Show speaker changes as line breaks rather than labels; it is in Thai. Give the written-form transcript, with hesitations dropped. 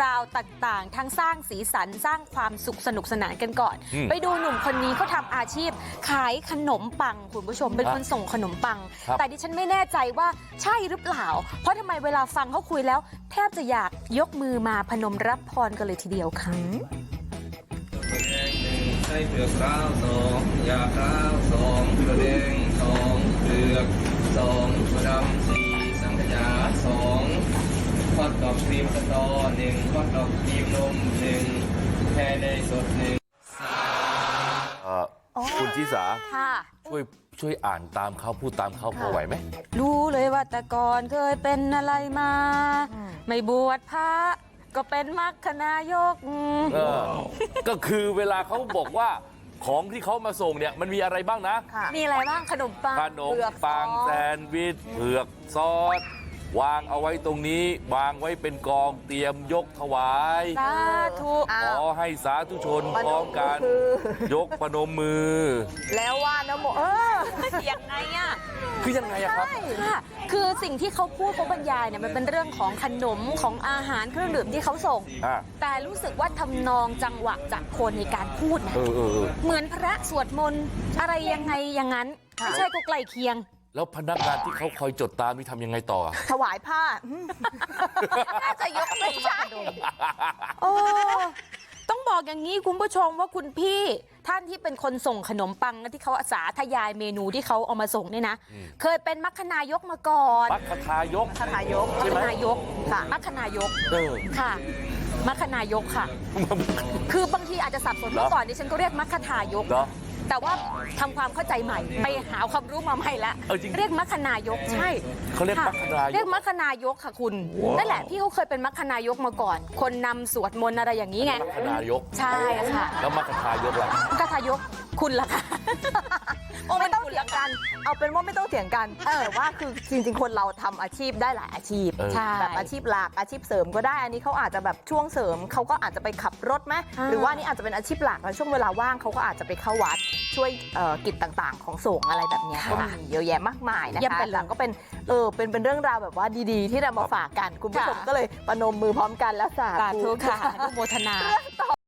าวต่างๆทั้งสร้างสีสันสร้างความสุขสนุกสนานกันก่อน ไปดูหนุ่มคนนี้เขาทำอาชีพขายขนมปังคุณผู้ชมเป็นคนส่งขนมปังแต่ดิฉันไม่แน่ใจว่าใช่หรือเปล่าเพราะทำไมเวลาฟังเขาคุยแล้วแทบจะอยากยกมือมาพนมรับพรกันเลยทีเดียวค่ะ
ไส้เผือกร้าว2ยาร้าว2ถั่วแดง2เผือก2ถั่วดำ4สังขยา2ทอดดอกครีมสตอ1ทอดดอกครีมนม1แพรเนยสด1
คุณชิสา
ค่ะ
ช่วยอ่านตามเขาพูดตามเขาพอไหวไหม
รู้เลยว่าแต่ก่อนเคยเป็นอะไรมาไม่บวชพระก็เป็นมรรคนายก
ก็คือเวลาเขาบอกว่าของที่เขามาส่งเนี่ยมันมีอะไรบ้างนะ
มีอะไรบ้างขนมปัง
แซนด์วิชเผือกซอสวางเอาไว้ตรงนี้วางไว้เป็นกองเตรียมยกถวาย
สาธุ
ขอให้สาธุชนพร้อมกันยกพนมมือ
แล้วว่านะโมยังไงอ่ะ
คือยังไงอะครับ
ค่ะคือสิ่งที่เขาพูดเขาบรรยายเนี่ยมันเป็นเรื่องของขนมของอาหารเครื่องดื่มที่เขาส่งแต่รู้สึกว่าทำนองจังหวะจากคนในการพูดนะเหมือนพระสวดมนต์อะไรยังไงอย่างนั้นไม่ใช่ก็ใกล้เคียง
แล้วพนักงานที่เขาคอยจดตามนี่ทำยังไงต่อ
ถวายผ้าน่าจะยกไม่ใช่ต้องบอกอย่างนี้คุณผู้ชมว่าคุณพี่ท่านที่เป็นคนส่งขนมปังนะที่เขาสาธยายเมนูที่เขาเอามาส่งเนี่ยนะเคยเป็นมัคคณายกมาก่อน
มัคคทายก
ค่ะมัคคณายกค่ะมัคคณายกค่ะมัคคณายกค่ะคือบางทีอาจจะสับสนเมื่อก่อนดิฉันก็เรียกมัคคทายกแต่ว่าทำความเข้าใจใหม่ไปหาความรู้มาใหม่ละเรียกมัคคณายกใช่
เขาเรียกมัคคณายก
เรียกมัคคณายกค่ะคุณนั่นแหละพี่เขาเคยเป็นมัคคณายกมาก่อนคนนำสวดมนต์อะไรอย่างนี้ไง
มัคคณายก
ใช่ค่ะ
แล้วมัคคทายกล่ะ
มัคคทายกคุณล่ะคะ
ไม่ต้องเถียงกันเอาเป็นว่าไม่ต้องเถียงกันแต่ว่าคือจริงๆคนเราทำอาชีพได้หลายอาชีพแบบอาชีพหลักอาชีพเสริมก็ได้อันนี้เขาอาจจะแบบช่วงเสริมเขาก็อาจจะไปขับรถไหมหรือว่านี่อาจจะเป็นอาชีพหลักแล้วช่วงเวลาว่างเขาก็อาจจะไปเข้าวัดช่วยกิจต่างๆของสงฆ์อะไรแบบนี้ก็มีเยอะแยะมากมายนะคะแต่ก็เป็นเรื่องราวแบบว่าดีๆที่นำมาฝากกันคุณผู้ชมก็เลยประนมมือพร้อมกันแล้วสาธุ
ค่ะอนุโมทนา